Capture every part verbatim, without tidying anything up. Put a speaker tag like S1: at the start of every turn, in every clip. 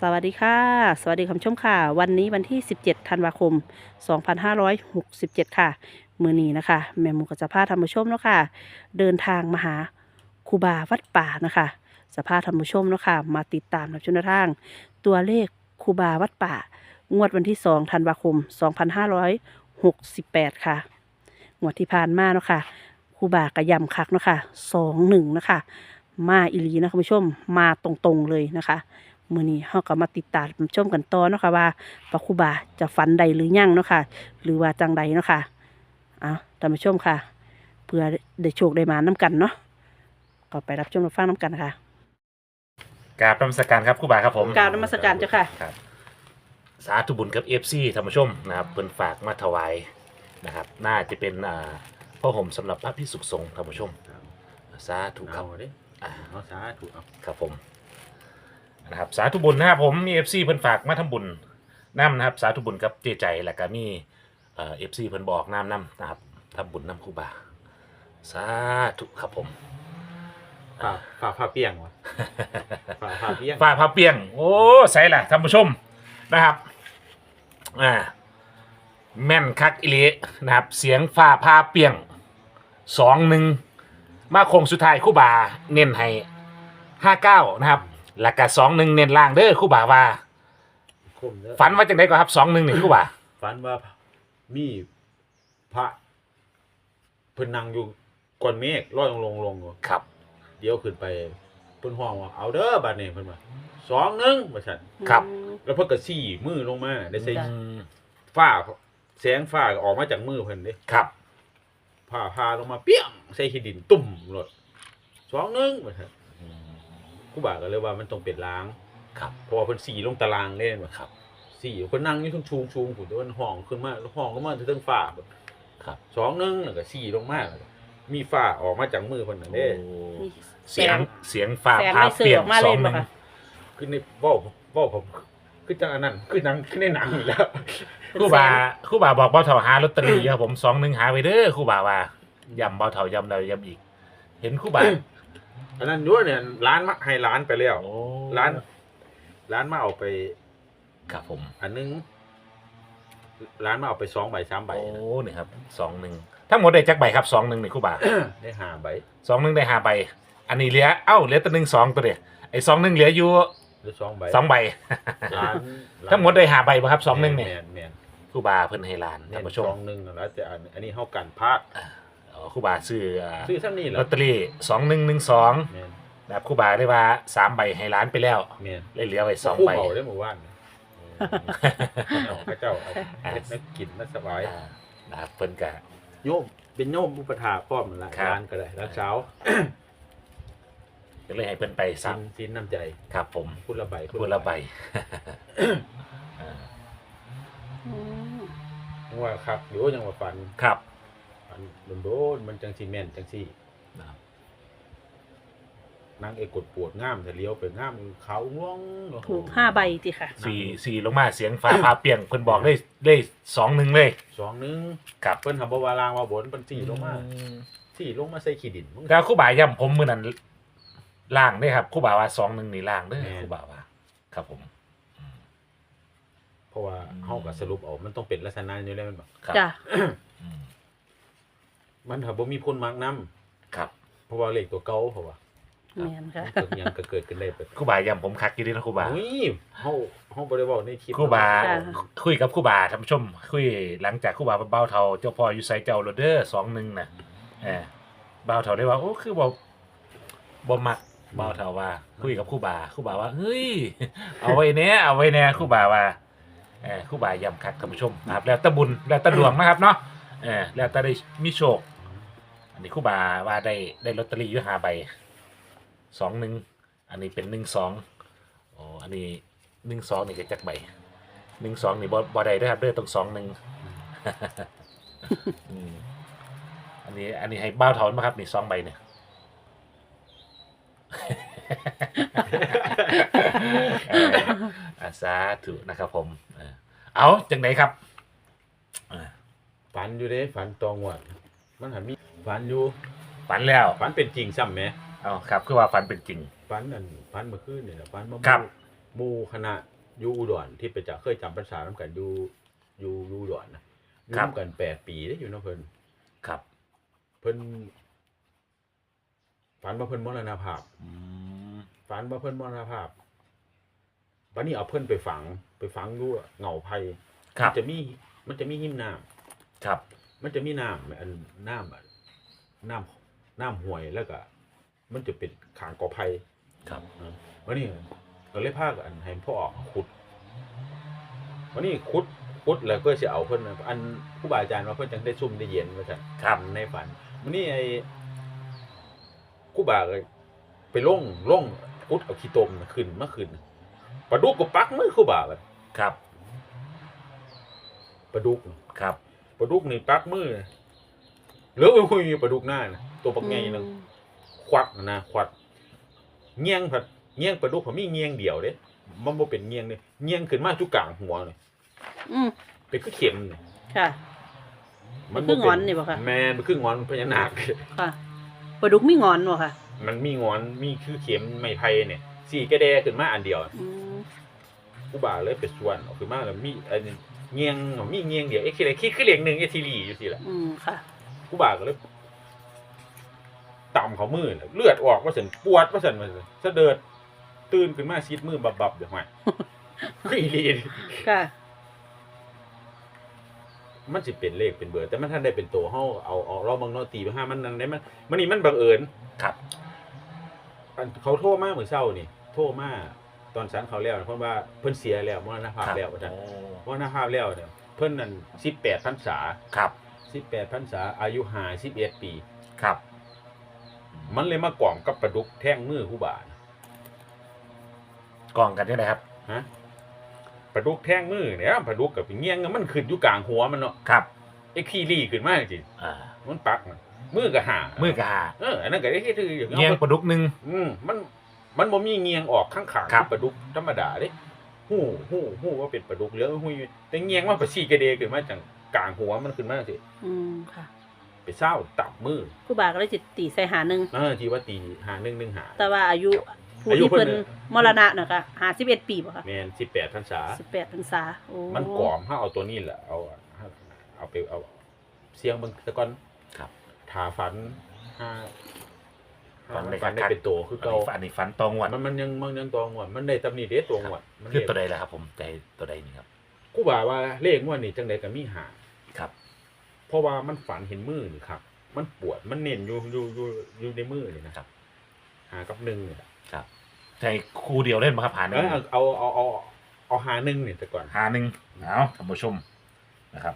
S1: สวัสดีค่ะสวัสดีคุณผู้ชมค่ะวันนี้วันที่สิบเจ็ดธันวาคมสองพันห้าร้อยหกสิบเจ็ดค่ะมื้อนี้นะคะแม่หมูก็จะพาท่านผู้ชมเนาะค่ะเดินทางมาหาครูบาวัดป่านะคะจะพาท่านผู้ชมเนาะค่ะมาติดตามรับชมแนวทางตัวเลขครูบาวัดป่างวดวันที่สองธันวาคมสองพันห้าร้อยหกสิบแปดค่ะงวดที่ผ่านมาเนาะค่ะครูบากระยำคักเนาะค่ะสองหนึ่งนะคะมาอีหลีนะคุณผู้ชมมาตรงๆเลยนะคะมื้อนี้เฮาก็มาติดตามชมกันต่อเนาะค่ะว่าพระครูบาจะฝันใดหรือยังเนาะค่ะหรือว่าจังใดเนาะค่ะเอาท่านผู้ชมค่ะเพื่อได้โชคได้มาน้กันเนาะก็ไปรับชมรับฟังน้กันค่ะ
S2: กราบนมัสการครับครูบาครับผม
S1: กราบนมัสการเจ้าค่ะ
S2: ครับสาธุบุญกับเอฟซีท่านผู้ชมนะครับเพิ่นฝากมาถวายนะครับน่าจะเป็นอ่าพ่อห่มสำหรับพระภิกษุสงฆ์ท่านผู้ชมสาธุครับ
S3: เอาเด้
S2: อ่า
S3: เอาสาธุเอา
S2: ครับผมนะครับสาธุบุญนะครับผมมีเอฟซีเพิ่นฝากมาทำบุญน้ำนะครับสาธุบุญกับเจใจแล้วก็มีเอ่อฟซีเพิ่นบอกน้ำน้ำนะครับทำบุญน้ำครูบาสาธุครับผม
S3: ฝ่าฝ่าผ้าเปียงวะฝ่าผ้าเปียง
S2: ฝ้าพาเปียงโอ้ใส่ล่ะท่านผู้ชมนะครับอ่าแม่นคักอิเลนะครับเสียงฝ้าพาเปียงสองหนึ่งมาคงสุดท้ายครู่บาเน้นให้ห้าเก้านะครับแล้วก็สองหนึ่งเน้นล่างเด้อครู่บาว่า
S3: คมเด้อ
S2: ฝันว่าจังไดก็ครับสองหนึ่งนี่ครู่บา
S3: ฝันว่ามีพระเพิ่นนั่งอยู่ก้อนเมฆลอยลงลงลงอยู่
S2: ครับ
S3: เดี๋ยวขึ้นไปเพิ่นห้องว่าเอาเด้อบัดนี้เพิ่นว่าสองหนึ่งว่าซั่น
S2: ครับ
S3: แล้วเพิ่นก็ซี่มือลงมาได้ใส่
S1: จ้ะ
S2: อืม
S3: ฟ้าแสงฟ้าก็ออกมาจากมือเพิ่นเด้
S2: ครับ
S3: ผ้าพาลงมาเปี้ยงใส่ขี้ดินตุ่มรถสองหนึ่งว่าซั่น
S2: อืม
S3: ครูบาก็เลยว่ามันต้องเป็นล้าง
S2: ครับ
S3: เพราะว่าเพิ่นสีลงตารางเล่นว่า
S2: ครับ
S3: สี่คนนั่งอยู่ทั้งชูงชูงผมแต่ว่าห้องขึ้นมาห้องก็มาถึงฝ้าแบบ
S2: ครับ
S3: สองหนึงแล้วก็สี่ลงมามีฝ้าออกมาจากมือคนนั่นเด้
S2: โอ้เสียงเสียงฝ้า
S1: แสง
S2: พา
S1: ไม่สื่
S2: เปี
S1: อย
S2: ง
S1: ออกมา
S2: ส
S1: เล
S2: อย งห
S1: บ่
S2: นึ่ง
S1: ค่ะ
S3: คือในเว้าเว้าผมคือจังอันนั้นคือหนังคือในหนังอยู่แล้ว
S2: ครู่บาครู่บาบอกเบาเถาหาลอตเตอรี่ครับผมสองหนึ่งหาไว้เด้อครู่บาว่าย้ำเบาเถาย้ำเราย้ำอีก เห็นครู่บา
S3: อันนั้นด้วยเนี่ยร้านมาให้ร้านไปแล้ว
S2: โอ้
S3: ร้าน ร้านมาเอาไป
S2: ครับผม
S3: อันนึงร้านมาเอาไปสองใบสามใบ
S2: โอ้
S3: นะ
S2: นี่ครับสองหนึ่งทั้งหมดได้จักใบครับสองหนึ่งนี่ครู่บา
S3: ได้ห้าใบ
S2: สองหนึ่งได้ห้าใบ อันนี้เหลือเอ้าเหลือแต่หนึ่งสองตัวเดียวไอ้สองหนึ่งเหลืออยู่
S3: หรือสองใบ
S2: สองใบ
S3: ร้าน
S2: ทั้งหมดได้ห้าใบป่ะครับสองหนึ่งเนี่ย
S3: แมนแมน
S2: ครู่บาเพิ่นให้ล้าน
S3: แม
S2: ท่าน
S3: น
S2: ผู้ช
S3: ส
S2: ม
S3: องหนึ่งแล้วแต่อันอันนี้เฮากันพลาด
S2: อ๋อครู่บาซื้ออ่า
S3: ซื้อซ้ำนี่เหร
S2: ล
S3: อ
S2: อตเตอรี่สองหนึ่งหนึ่งสอง
S3: แมน
S2: นะครับครู่บาได้ว่าสามใบให้ล้านไปแล้ว
S3: แมน
S2: เลยเหลือไว้สอง
S3: คู่
S2: ใบ
S3: เผาได้หมู่บ้านเอาพระเจ้าเอาเฮ็ดนักกินนักสบาย
S2: อ่านะครับเพิ่นกะ
S3: โยมเป็นโยมอุปถาพร้อมนั่นละ
S2: ครับ
S3: ร้านก็ได้ร้านเช้า
S2: ก็เลยให้เพิ่นไป
S3: สิ
S2: สั
S3: น
S2: บ
S3: สินน้ำใจ
S2: ครับผม
S3: พุทละใบ
S2: พูดละใบ
S1: อืม
S3: ยังว่าครับเดี๋ยวยังว่าฝัน
S2: ครับ
S3: ฝันโดนๆมันจังสิแม่นจังสิ
S2: นะครับ
S3: นางเอกกดปวดง่ามแต่เลี้ยวไปง่ามเขาง่วงโอ้โ
S1: ถูกห้าใบสิค่ะ
S2: สี่สี่ลงมาเสียงฟ้าพาเปียงเพิ่นบอกได้ได้สองหนึ่งเลย
S3: สองหนึง
S2: ครับ
S3: เพิ่นทำบ่ว่าลางว่าบนเพิ่นสี่ลงมา
S2: อืม
S3: สี่ลงมาใส่ขี้ดินมึง
S2: แล้วครู่บ่าย่ำผมมือนั้นล่างเด้ครับครู่บ่าว่าสองหนึ่งนี่ล่างเด้อ
S3: แม่น
S2: ครู่บ่าว่า ครับผม
S3: เพราะว่าเฮาก็สรุปเอามันต้องเป็นลักษณะนี้แหละแมันบ่
S2: ครับ
S1: จ้ะ
S2: อืม
S3: มันถ้าบ่มีคนมักนํ
S2: ครับ
S3: เพราะว่าเลขตัวเก่าเพราะว่า
S1: แม่นค่ะ
S3: เกิดหยังก็เกิดขึ้นได้เปิด
S2: ครู่บ่าย่ำผมคักอยู่ดีนะครู่บ่า
S3: อุ้ยเฮาเฮาบ่ได้เว้าในคลิป
S2: ครู่บ่า
S1: จ้ะ
S2: คุยกับครู่บ่าท่านผู้ชม คุยหลังจากครู่บ่าเบ้าเทาเจ้าพ่ออยู่ไซเจ้าโรเดอร์สองหนึ่งน่ะเออเบ้าเทาได้ว่าโอ้คือบ่บ่มักเบ้าเทาว่า คุยกับครู่บ่าครู่บ่าว่าเฮ้ยเอาไว้แน่เอาไว้แน่ครู่บ่าว่าเออครู่บ่าย่ำคักท่านผู้ชมนะครับแล้วแตะบุญแล้วแตะดวงนะครับเนาะเออแล้วแตะได้มีโชค อันนี้ครู่บ่าว่าได้ได้ลอตเตอรี่อยู่ห้าใบสองหนึ่งอันนี้เป็นหนึ่งสองโอ้อันนี้หนึ่งสองนี่จะจักใบหนึ่งสองนี่บ่บ่ได้เด้วยครับเด้อต้องสองหนึ่ง อืมอันนี้อันนี้ให้บ้าวถอนมาครับนี่สองใบเนี่ย เอออาสาธุนะครับผมเออเอาจังไหนครับเออ
S3: ฝันอยู่เด้ฝันตองวดมันหันมีฝันอยู่
S2: ฝันแล้ว
S3: ฝันเป็นจริงซ้ำแหม
S2: เอาครับคือว่าฝันเป็นจริง
S3: ฝันนั่นฝันเมื่อคืนนี่แหละฝันมา
S2: ครับ
S3: หมู่คณะอยู่อุดรที่ไปจะเคยจำพรรษานํกันอยู่อยู่อยู่อุดรนะอยู่นํกันแปดปีเด้อยู่เนาะเพิ่น
S2: ครับ
S3: เพิ่นฝันว่าเพิ่นมรณภาพ
S2: อืม
S3: ฝันว่าเพิ่นมรณภาพบัดนี้เอาเพิ่นไปฝังไปฝังอยู่เหงาไผ่
S2: ครับ
S3: มันจะมีมันจะมีหิมน้ำ
S2: ครับ
S3: มันจะมีน้ำอันน้ำอะน้ำน้ำห้วยแล้วก็มันจะเป็นขางกอไผ่
S2: ครับ
S3: อ่าวันนี้ก็เลยพากันให้พ่อขุดวันนี้ขุดขุดแล้วก็สิเอาเพิ่นน่ะอันครูบาอาจารย์ว่าเพิ่นจังได้ซุ่มได้เย็นว่าซั่น
S2: ครับ
S3: ในฝันวันนี้ไอ้ครูบาก็ไปลงลงขุดเอาขี้ตมน่ะขึ้นมาขึ้นปลาดุกก็ปักมือครูบาบัด
S2: ครับ
S3: ปลาดุก
S2: ครับ
S3: ปลาดุกนี่ปักมือเหลือไว้คุยปลาดุกหน้าน่ะตัวปักใหญ่นึง ควักนะควักเงี้ยงผัดเงี้ยงปลาดุกผมมีเงี้ยงเดียวเด้มันบ่เป็นเงี้ยงเด้เงี้ยงขึ้นมาจุกลางหัวเลย
S1: อืม
S3: เป็นคือเข็มนี่
S1: ค่ะ มันคืองอนนี่บ่คะ
S3: แม่นมันคืองอนพญานาค
S1: ค่ะปลาดุกมีงอนบ่ค่ะ
S3: มันมีงอนมีคือเข็มไม้ไผ่เนี่ยสี่กระแดขึ้นมาอันเดียว
S1: อืม
S3: กูบ่าเลยไปส่วนออกขึ้นมาแล้วมีอันเงี้ยงมีเงี้ยงเดียวเอ็กซ์คิดคือเลขหนึ่งเอทีรีอยู่สิล่ะ
S1: อืมค่ะ
S3: กูบ่าก็เลยต่ำเขามือน่ะเลือดออกว่าซั่นปวดว่าซั่นว่าซั่นสะเดิดตื่นขึ้นมาซีดมือบับๆเดี๋ยวห่วย คืออีหลี
S1: ค่ะ
S3: มันสิเป็นเลขเป็นเบอร์แต่มันท่านได้เป็นตัวเฮาเอาเอาเราบางเนาะตีไปห้ามันนั่นได้มันมันนี่มันบังเอิญ
S2: ครับ
S3: อันเขาโทรมาเมื่อเช้านี่โทรมาตอนสันเขาแล้วเพราะว่าเพิ่นเสียแล้วมรณภาพแล้วว่าซั่น
S2: โอ้
S3: มรณภาพแล้วเนี่ยเพิ่นนั่นสิบแปดพรรษา
S2: ครับ
S3: สิบแปดพรรษาอายุห้าสิบเอ็ดปี
S2: ครับ
S3: มันเลยมากล่อมกับปลาดุกแท่งมือครูบา
S2: กล่องกันได้ไหมครับ
S3: ฮะปลาดุกแท่งมือเนี่ยปลาดุกกับเงี้ยงมันขึ้นอยู่กลางหัวมันเนาะ
S2: ครับ
S3: ไอ้ขี้รี่ขึ้นมาจริง
S2: อ่า
S3: มันปักน่ะมือก็หา
S2: มือกระหา
S3: เอออันนั้นก็ไอ้ที่คืออย่าง
S2: เงี้ยงปลาดุกหนึ่ง
S3: อืมมันมันบ่มีเงียงออกข้างขาง
S2: ครับ
S3: ปลาดุกธรรมดาเด้ฮู้ฮู้ฮู้ว่าเป็นปลาดุกเหลือฮู้อยู่แต่เงียงมันไปซี่กระเดขึ้นมาจังกลางหัวมันขึ้นมาสิ
S1: อืมค่ะ
S3: ไปเศร้าตับมือ
S1: ครูบาก็เลยจิตตีใส่หาหนึ่ง
S3: เออที่ว่าตีหาหนึ่งหนึ่งหา
S1: แต่ว่าอายุผู้
S3: อายุ
S1: ที่
S3: เพิ่
S1: เพิ่
S3: น
S1: น
S3: น่ะ
S1: มรณะน่ะค่ะห้าสิบเอ็ดปีบ่ค่ะ
S3: แม่นสิบแปดพรรษา
S1: สิบแปดพรรษาโอ้
S3: มันกล่อมเฮาเอาตัวนี้แหละเอาเอาไปเอาเสียงเบิ่งซะก่อน
S2: ครับ
S3: ถ้าฝันห้า
S2: ฝันได้
S3: ฝันได้
S2: คักๆ
S3: เป็นตัวคือ
S2: อัน
S3: เก่า
S2: นี้อันนี้ฟันตองวัน
S3: มันมันยังมันยังตัวงวดมันได้ตำหนิเด้ตัวงวดมัน
S2: คือ
S3: เรียก
S2: ตัวใดล่ะครับ ผมใจตัวใดนี่ครับ
S3: กูว่าว่าเลขงวดนี้จังไดก็มีหา
S2: ครับ
S3: เพราะว่ามันฝันเห็นมือนี่ครับ มันปวด มันเน้นอยู่อยู่อยู่อยู่ในมือนี่นะครับ หากับหนึ่งเนี่ย
S2: ครับใจคู่เดียวเล่นมาครับหาหนึ่
S3: เอง อเอาเอาเอาเอาเอาหาหนึ่งเนี่ยแต่ก่อน
S2: หาหนึ่งเอาท่านผู้ชมนะครับ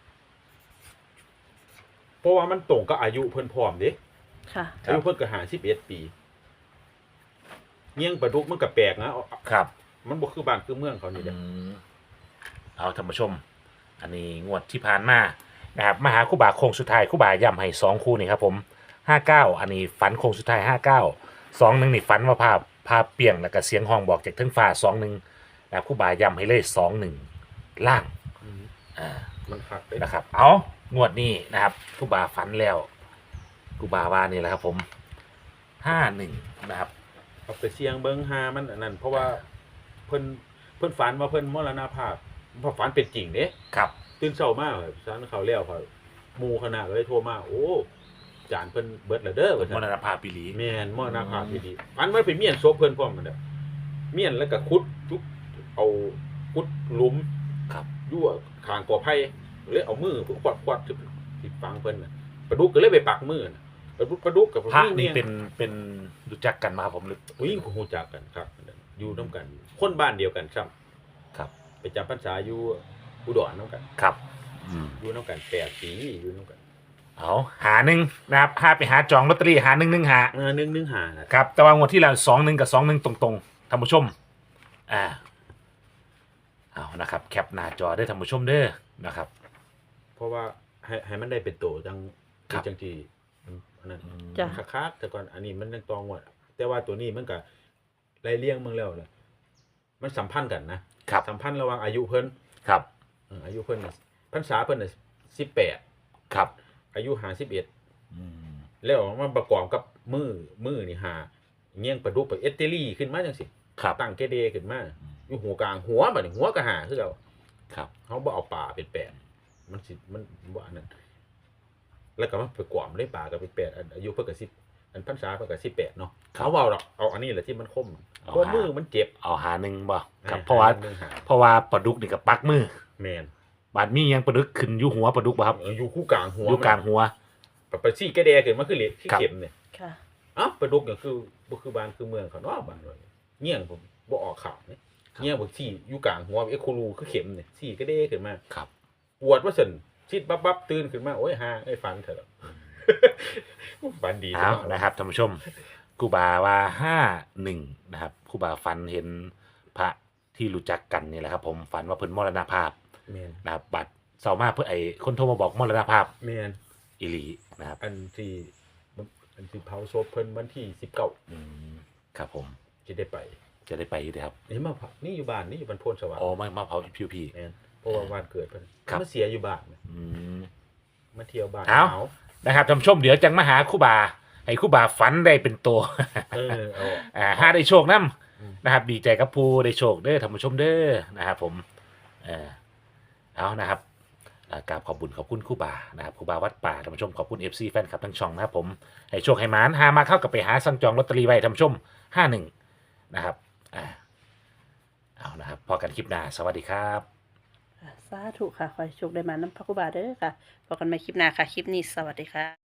S3: เพราะว่ามันตรงกับอายุเพิ่นพร้อมเด้
S1: ค่ะ
S2: ครับ
S3: อายุเพิ่นก็หาสิบเอ็ดปีเงี้ยงปลาดุกมันก็แปลกนะเอา
S2: ครับ
S3: มันบ่คือบ้านคือเมืองเขานี่เด้
S2: อืมเอาท่านผู้ชม อันนี้งวดที่ผ่านมานะครับมาหาคู่บ่าโค้งสุดท้ายคู่บ่าย่ำให้สองคู่นี่ครับผมห้าเก้าอันนี้ฝันโค้งสุดท้ายห้าเก้าสองหนึ่งนี่ฝันว่าภาพภาพเปลี่ยงแล้วก็เสียงห้องบอกจากเทั้งฟ้าสองหนึ่งนะครับคู่บ่าย่ำให้เลยสองหนึ่งล่าง
S3: อืม
S2: อ่า
S3: มันคักเด้
S2: นะครับ เอางวดนี้นะครับคู่บ่าฝันแล้วคู่บ่าว่านี่แหละครับผมห้าหนึ่งนะครับ
S3: เอาไปเสียงเบิ่งหามันอันนั้นเพราะว่าเพิ่นเพิ่นฝันว่าเพิ่นมรณภาพเพราะฝันเป็นจริงเด้
S2: ครับ
S3: ตื่นเช้ามาสันเขาแล้วเขาหมู่คณะก็เลยโทรมาโอ้จานเพิ่นเบิดแล้วเด้อว่าซั่
S2: ม
S3: น
S2: รณภาพปีหลี
S3: แม่นมรณภาพดีๆฝันว่าไปเมียนศพเพิ่นพร้อมมันเด้อเมียนแล้วก็ขุดทุกเอาขุดหลุม
S2: ครับ
S3: อยู่ข้างกอไผ่เลยเอามือควัดควัดสิสิฝังเพิ่นน่ะปลาดุกก็เลยไปปักมือน่ะปลาดุกปลาดุกกับ
S2: พระ
S3: ผู้หญิง
S2: นี่
S3: เนี่ย
S2: เป็นเป็นรู้จักกันมาครับผมหรือ
S3: ผู้หญิงผู้ฮู้จักกันครับอยู่นํกัน คนบ้านเดียวกันซ้ำ
S2: ครับ
S3: ไปจำพรรษาอยู่อุดรนํกัน
S2: ครับอืม
S3: อยู่นํกันแปดปีอยู่นํกัน
S2: เอาหาหนึ่งนะครับหาไปหาจองลอตเตอรี่หาหนึ่งหนึ่งหา
S3: เออหนึ่งหนึ่งห้าน่ะ
S2: ครับแต่ว่างวดที่แล้วสองหนึ่งกับสองหนึ่งตรงๆท่านผู้ชมอ่าเอานะครับ แคปหน้าจอได้ท่านผู้ชมเด้อนะครับ
S3: เพราะว่าให้ให้มันได้เป็นโตจัง
S2: ครับ
S3: จังที่อันนั้น
S1: จ้ะ
S3: คักๆแต่ก่อนอันนี้มันยังตองวดแต่ว่าตัวนี้มันก็ไล่เลี้ยงเมืองแล้วเนี่ยมันสัมพันธ์กันนะครับ สัมพันธ์ระหว่างอายุเพิ่น
S2: ครับ
S3: เอออายุเพิ่นน่ะพรรษาเพิ่นน่ะสิบแปด
S2: ครับ
S3: อายุห้าสิบเอ็ด
S2: อืม
S3: แล้วมันประกอบกับมือมือนี่หาเงี้ยงประดุกไปเอตเตอรี่ขึ้นมาจังซี่
S2: ครับ
S3: ตั้งเกเดขึ้นมาอยู่หัวกลางหัวบัดนี้หัวก็หาคือเก่า
S2: ครับ
S3: เฮาบ่เอาป่าเป็นแปดมันสิมันบ่อันนั้นแล้วก็มันไปกวามได้ป่าก็เป็นแปดอันอายุเพิ่นก็สิบอันพรรษาเพิ่นก็สิบแปดเนาะเขาเว้าดอกเอาอันนี้แหละที่มันคมเพราะมือมันเจ็บ
S2: เอาหาหนึ่งบ่ครับ
S3: อ่
S2: เพราะว่า
S3: หนึ่งหา
S2: เพราะว่าปลาดุกนี่กับปักมือ
S3: แม่น
S2: บาดมียังปลาดุกขึ้นอยู่หัวปลาดุกบ่ครับ
S3: เอออยู่คู่กลางหัว
S2: อยู่กลางหัว
S3: ปไปซี่กระแดขึ้นมาคือเหล็กที่
S2: ครับ
S3: เข็มเนี่ย
S1: ค่ะ
S3: อ้าวปลาดุกก็คือบ่คือบ้านคือเมืองเขาเนาะบ้านว่าเงี้ยงผมบ่ออกข่าวเนี่ยเงี้ยงบ่ซี่อยู่กลางหัวเอ็กโคลูคือเข็มเนี่ยซี่กระเดขึ้นมา
S2: ครับ
S3: ปวดว่าซั่นชิดบับๆตื่นขึ้นมาโอ้ยหาไอ้ฟันเถอะ ฟันดี
S2: เอา
S3: จัง
S2: นะครับท่านผู้ชมครูบาว่าห้าหนึ่งนะครับครูบาฝันเห็นพระที่รู้จักกันนี่แหละครับ ผมฝันว่าเพิ่นมรณภาพ
S3: แม่น
S2: นะครับบัตรเศร้ามากเพื่อไอ้คนโทรมาบอกมรณภาพ
S3: แม่น
S2: อิลีนะครับ
S3: อันที่อันที่เผาศพเพิ่นวันที่สิบเก้า
S2: อืมครับผม
S3: สิได้ไป
S2: จะได้ไปอยู่นะครับ
S3: นี่มาเผานี่อยู่บ้านนี่อยู่บ้านโพนสว่าง
S2: อ๋อมามาเผาพิวพี
S3: แม่นเพราะว่าวันเกิดเพิ่น
S2: ครับ
S3: มาเสียอยู่บ้าน
S2: อืม
S3: มาเที่ยวบ้าน
S2: เอ้า
S3: หนาว
S2: นะครับท่านผู้ชมเดี๋ยวจังมาหาครูบาให้ครูบาฝันได้เป็นตัว
S3: เออเอา
S2: อ่าห้าได้โชคนํ
S3: อืม
S2: นะครับดีใจกับผู้ได้โชคเด้อท่านผู้ชมเด้อนะครับผมเออเอานะครับอ่ากราบขอบคุญขอบคุณครูบานะครับครูบาวัดป่าท่านผู้ชมขอบคุณ เอฟ ซี แฟนคลับทั้งช่องนะครับผมให้โชคให้หมานหามาเข้ากับไปหาสั่งจองลอตเตอรี่ไว้ท่านผู้ชมห้าหนึ่งนะครับอ่าเอานะครับพอกันคลิปหน้าสวัสดีครับ
S1: สาธุค่ะ ขอให้โชคได้มาน้ำพระคุบาเด้อค่ะพบกันใหม่คลิปหน้าค่ะ คลิปนี้สวัสดีค่ะ